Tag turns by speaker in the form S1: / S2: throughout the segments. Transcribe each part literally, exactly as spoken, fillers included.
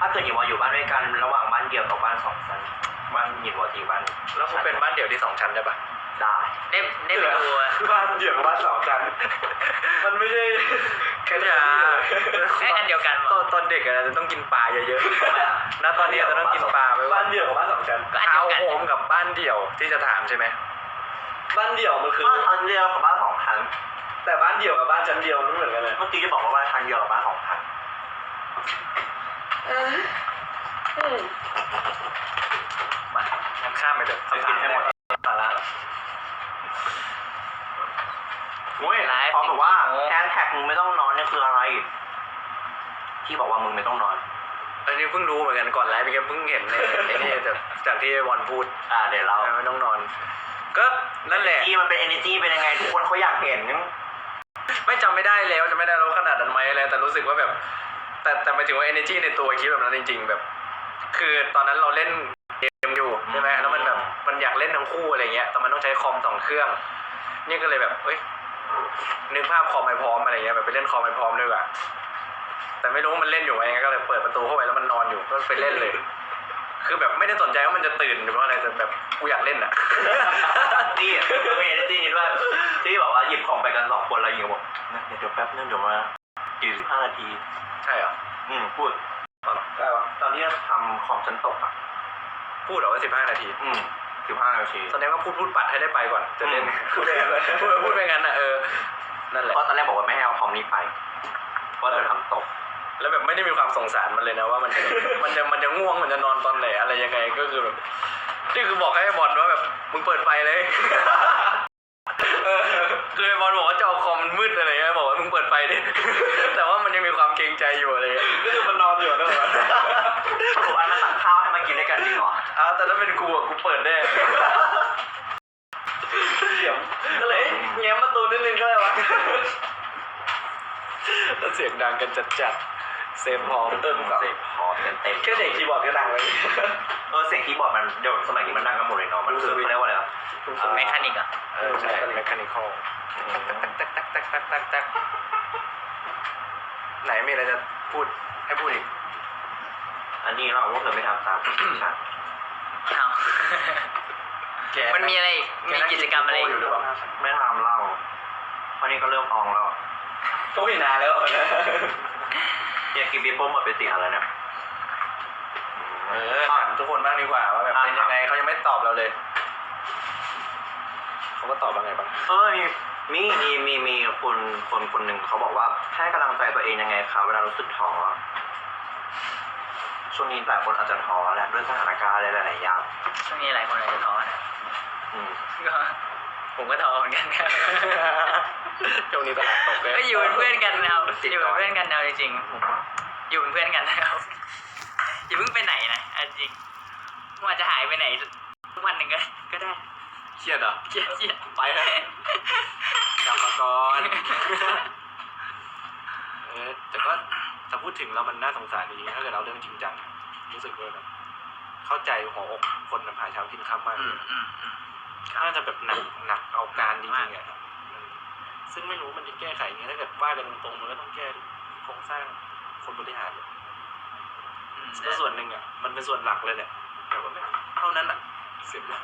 S1: ถ้าเกิดอยู่มาอยู่บ้านด้วยกันระหว่างบ้านเดี่ยวกับบ้านสองชั้นบ้านหยิบวอตีบ้าน
S2: แล้วคุณเป็นบ้านเดี่ยวที่สองชั้นได้ปะ
S1: ได้
S3: ได้ได้ไปดู
S1: บ้านเดี่ยวกับบ้านสองชั้นมันไม่ใช่
S2: แค่นี้
S3: ไอ้อันเดียวกัน
S2: ตอนตอนเด็กอะจะต้องกินปลาเยอะๆนะตอนนี้จะต้องกินปลาไป
S1: บ้านเดี่ยวกับบ้านสองชั้น
S3: ก็อันเดียวกัน
S2: โฮมกับบ้านเดี่ยวที่จะถามใช่ไหม
S1: บ้านเดี่ยวมันคือบ้านชั้นเดียวกับบ้านสองชั้นแต่บ้านเดี่ยวกับบ้านชั้นเดียวมันเหมือนกันเลยเมื่อกี้จะบอกว่าบ้านชั้นเดียวกับบ้านสองชั้น
S2: มางั้นข้ามไปเถอะ
S1: คำถามให้หมดสาระโอ้ยพร้อมกับว่าแฮชแท็กมึงไม่ต้องนอนเนี่ยคืออะไรที่บอกว่ามึงไม่ต้องนอน
S2: อันนี้เพิ่งรู้เหมือนกันก่อนไลฟ์ไปแค่เพิ่งเห็นในไอ้นี่จากจากที่บอลพูด
S1: อ่าเดี๋ยวเรา
S2: ไม่ต้องนอนก็นั่นแหละ
S1: ที่มันเป็น energy เป็นยังไงทุกคนเขาอยากเห็น
S2: ไม่จำไม่ได้แล้วจะไม่ได้รู้ขนาดนั้นไหมอะไรแต่รู้สึกว่าแบบแต่แต่หมายถึงว่า energy ในตัวคิดแบบนั้นจริงๆแบบคือตอนนั้นเราเล่นเกมอยู่ใช่ไหมแล้วมันแบบมันอยากเล่นทั้งคู่อะไรเงี้ยแต่มันต้องใช้คอมสองเครื่องนี่ก็เลยแบบเอ้ยนึกภาพคอมไม่พร้อมอะไรเงี้ยแบบไปเล่นคอมไม่พร้อมด้วยว่ะแต่ไม่รู้มันเล่นอยู่ไหมก็เลยเปิดประตูเข้าไปแล้วมันนอนอยู่ก็ไปเล่นเลยคือแบบไม่ได้สนใจว่ามันจะตื่นหรือว่าอะไรแต่แบบกูอยากเล่นอ่ะ
S1: นี่มี energy นี้ด้วยที่บอกว่าหยิบของไปกันสองคนแล้วยิงบอกเดี๋ยวแป๊บนึงเดี๋ยวมาอีกสิบห้านาที
S2: ใช่เหรอ
S1: อืมพูดได้ปะตอนที่ทำคอมชั้นตกอ่ะ
S2: พูดเหรอว่าสิบห้านาที
S1: อืมสิบห้านาที
S2: แสดงว่าพูดพูดปัดให้ได้ไปก่อนจะเล่นพูดไปพูดพูดไปงั้นอ่ะเออนั่นแหละ
S1: เพราะตอนแรกบอกว่าไม่ให้เอาคอมนี้ไปเพราะจะทำตก
S2: แล้วแบบไม่ได้มีความสงสารมันเลยนะว่ามันจะมันจะมันจะง่วงมันจะนอนตอนไหนอะไรยังไงก็คือแบบนี่คือบอกให้บอลว่าแบบมึงเปิดไฟเลยคือไอ้บอลบอกว่าจอคอมมันมืดอะไรเงี้ยบอกว่ามึงเปิดไฟดิแต่ว่ามันยังมีความเกรงใจอยู่อะไร
S1: ก็คือมันนอนอยู่นะผมอันนั้นสั่งข้าวให้มากินด้วยกันจริงเหรอ
S2: อ้าวแต่ถ้าเป็นกูอ่ะกูเปิดได้เสียงก็เลยแง้มประตูนิดนึงก็เลยวะแล้วเสียงดังกันจัดๆเซฟพอ
S1: เติมเซฟพอเต็มเต็ม
S2: แค่เสียงคีย์บอร์ดก็ดังเลย
S1: เออเสียงคีย์บอร์ดมันเดี๋ยวสมัยนี้มันดังกันหมดเลยเนาะมันคือเรียกว่าอะไรอ่ะ
S3: เมคานิกอ่ะ
S2: เออใช่เมคานิคอลตักตักตักตักตักตักไหนมีอะไรจะพูดให้พูดอีก
S1: อันนี้เราพวกเธอไม่ทำตามฉัน
S3: เอามันมีอะไรมีกิจกรรมอะไร
S2: อยู่หรือเปล่า
S1: ไม่ทำเล่าเพราะนี่ก็เริ่มอองแล้ว
S2: ก็ไม่นานแล้ว
S1: อยากกินบีโป้หมดไปสี่อันแล้วเนี่ย
S2: เออถามทุกคนบ้างดีกว่าว่าแบบเป็นยังไงเขายังไม่ตอบเราเลยเขาก็ตอบว่าไงบ้าง
S1: เออมีมีมีมีคนคนคนหนึ่งเขาบอกว่าให้กำลังใจตัวเองยังไงครับเวลารู้สึกท้อช่วงนี้หลายคนอาจจะท้อแหละด้วยสถานการณ์อะไรหลายๆอย่าง
S3: ช่วงนี้หลายคนอาจจะท้อนะ
S1: อืม
S3: ก็ผมก็ท้อเหมือนกันครับ
S2: ช่วงนี้ตลาดตกเลย
S3: ก็อยู่เป็นเพื่อนกันเอาอยู่เป็นเพื่อนกันเอาจริงๆอยู่เป็นเพื่อนกันนะครับอย่าเพิ่งไปไหนนะจริงว่าจะหายไปไหนวันหนึ่งก็ก็ได้
S2: เครียดเหรอ
S3: เครียดเครียด
S2: ไปเลยกลับมาก่อนเออแต่ก็ถ้าพูดถึงแล้วมันน่าสงสารดีถ้าเกิดเราเรื่องจริงจังรู้สึกว่าแบบเข้าใจหัวอกคนหาเช้ากินค่ำมากน่าจะแบบหนักหนักเอาการจริงๆอ่ะซึ่งไม่รู้มันจะแก้ไขยังไงถ้าเกิดว่ากันตรงๆมันก็ต้องแก้โครงสร้างคนบริหารก็ส่วนหนึ่งอ่ะมันเป็นส่วนหลักเลยเนี่ยแต่ว่าไม่เท่านั้นอ่ะเสียละ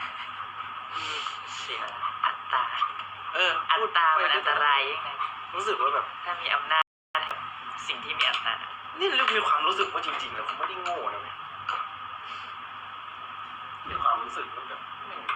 S3: เสียอัตรา
S2: เออ
S3: อัตรามันอันตรายยังไง
S2: รู้สึกว่าแบบ
S3: ถ้ามีอำนาจสิ่งที่มีอัตรา
S2: นี่เรามีความรู้สึกว่าจริงๆแล้วผมไม่ได้โง่นะมีความรู้สึกว่าแบบ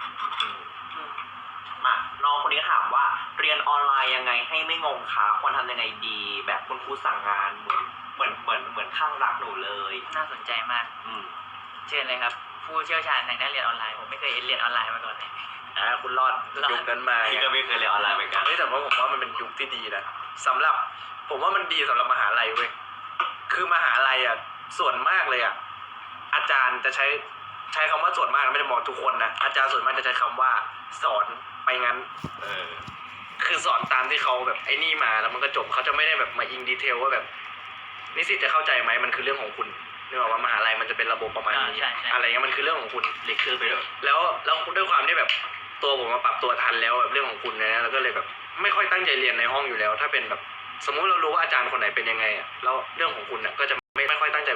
S1: มาน้องคนนี้ถามว่าเรียนออนไลน์ยังไงให้ไม่งงคะควรทำยังไงดีแบบคุณครูสั่งงานเหมือนเหมือนเหมือนเหมือนข้างรักหนูเลย
S3: น่าสนใจมาก
S1: อืม
S3: เชิญเลยครับผู้เชี่ยวชาญทางด้านเรียนออนไลน์ผมไม่เคยเรียนออนไลน์มาก่อนเลย
S2: อ่าคุณรอดยุคนั้นมา
S1: พี่ก็ไม่เคยเรียนออนไลน์เหมือนกัน
S2: แต่ว่าผมว่ามันเป็นยุคที่ดีนะสำหรับผมว่ามันดีสำหรับมหาลัยเว้ยคือมหาลัยอ่ะส่วนมากเลยอ่ะอาจารย์จะใช้ใช้คำว่าส่วนมากไม่ได้บอกทุกคนนะอาจารย์ส่วนมากจะใช้คำว่าสอนไปงั้นเออคือสอนตามที่เขาแบบไอ้นี่มาแล้วมันก็จบเขาจะไม่ได้แบบมาอิงดีเทลว่าแบบนิสิตจะเข้าใจไหมมันคือเรื่องของคุณนึกออกว่ามหาลัยมันจะเป็นระบบประมาณนี้อะไรเงี้ยมันคือเรื่องของคุณ
S1: เล็กขึ้นไปเลย
S2: แล้วแล้วด้วยความที่แบบตัวผมมาปรับตัวทันแล้วแบบเรื่องของคุณนะแล้วก็เลยแบบไม่ค่อยตั้งใจเรียนในห้องอยู่แล้วถ้าเป็นแบบสมมุติเรารู้ว่าอาจารย์คนไหนเป็นยังไงอ่ะแล้วเรื่องของคุณอ่ะก็จะไม่ไม่ค่อยตั้งใจวิ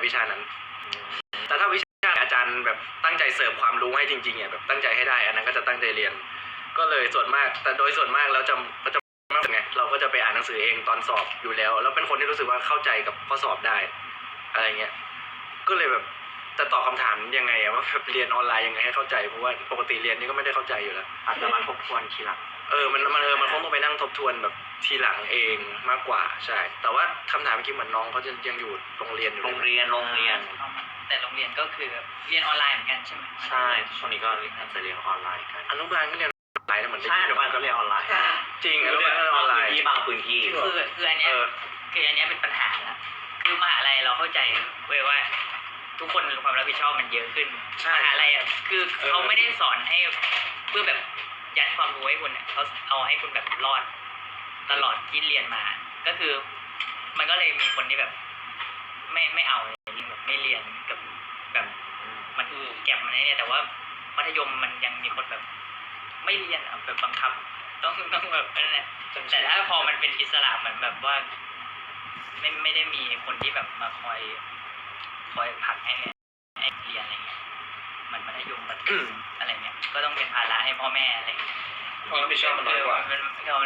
S2: วิชานั้น แต่ถ้าวิชาอาจารย์แบบตั้งใจเสิร์ฟความรู้ให้จริงๆอ่ะแบบตั้งใจให้ได้อันนั้นก็จะตั้งใจเรียน ก็เลยส่วนมาก แต่โดยส่วนมากแล้วจะก็จะไม่ไงเราก็จะไปอ่านหนังสือเองตอนสอบอยู่แล้ว แล้วเป็นคนที่รู้สึกว่าเข้าใจกับข้อสอบได้อะไรเงี้ยก็เลยแบบจะตอบคำถามยังไงอะว่าแบบเรียนออนไลน์ยังไงให้เข้าใจเพราะว่าปกติเรียนนี่ก็ไม่ได้เข้าใจอยู่แล้ว
S1: อาจจะมาทบทวนทีหลัง
S2: เออมันมันเออมันคงต้องไปนั่งทบทวนแบบทีหลังเองมากกว่าใช่ แต่ว่าคำถามเมื่อกี้เหมือนน้องเขาจะยังอยู่โรงเรียนอยู่
S1: โรงเรียนโรงเรียน
S3: แต่โรงเรียนก็คือเรียนออนไลน์เหมือนกันใช่ไหม
S1: ใช่ช่วงนี้ก็น่าจะเรียนออนไลน์กัน
S2: อนุบาลก็เรียนออนไลน์นะเหมือนได้
S1: ใช่
S2: ยิ
S1: อนุบาลก็เรียนออนไลน์
S2: จริงอนุบาลก็เรียนออนไลน์
S1: ที่บางพื้นที่
S3: คือคืออันเนี้ย
S2: เออ
S3: คืออันเนี้ยเป็นปัญหาละคือมหาลัยเราเข้าใจเว้ยว่า ทุกคนมีความรับผิดชอบมันเยอะขึ้น
S2: ใช่
S3: มหาลัยอ่ะคือเขาไม่ได้สอนให้เพื่อแบบยัดความรู้ให้คุณอ่ะเขาเอาให้คุณแบบรอดตลอดที่เรียนมา ก็คือ มันก็เลยมีคนที่แบบ ไม่ไม่เอาเลยแบบไม่เรียนกับแบบมันคือแก็บมันเนี่ยแต่ว่ามัธยมมันยังมีคนแบบ ไม่เรียนอะแบบบังคับ ต้องต้องแบบนั่นแหละแต่ถ้าพอมันเป็นอิสระเหมือนแบบว่า ไม่ไม่ได้มีคนที่แบบมาคอยคอยผลักให้ให้เรียนอะไรเงี้ยมันมัธยมมันอะไรเงี้ยก็ต้องเป็นภาระให้พ่อแม่อะไรเงี้ย
S2: ความรับผิดชอบมันน้อยกว่า
S3: มันเรา